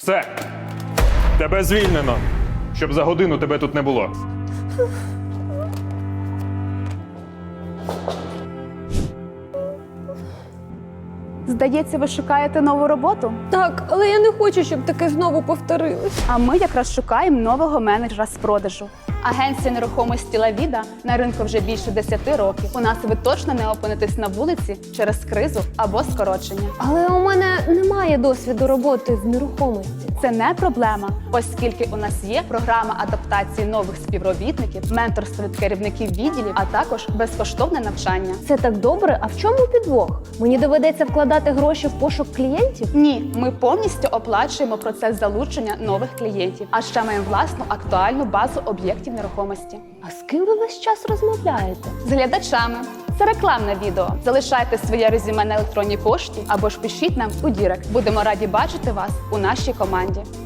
Все. Тебе звільнено. Щоб за годину тебе тут не було. Здається, ви шукаєте нову роботу? Так, але я не хочу, щоб таке знову повторилось. А ми якраз шукаємо нового менеджера з продажу. Агенція нерухомості «Лавіда» на ринку вже більше 10 років. У нас ви точно не опинитесь на вулиці через кризу або скорочення. Але у мене немає досвіду роботи в нерухомості. Це не проблема, оскільки у нас є програма адаптації нових співробітників, менторство від керівників відділів, а також безкоштовне навчання. Це так добре, а в чому підвох? Мені доведеться вкладати гроші в пошук клієнтів? Ні, ми повністю оплачуємо процес залучення нових клієнтів, а ще маємо власну актуальну базу об'єктів нерухомості. А з ким ви весь час розмовляєте? З глядачами. Це рекламне відео. Залишайте своє резюме на електронній пошті або ж пишіть нам у Дірект. Будемо раді бачити вас у нашій команді.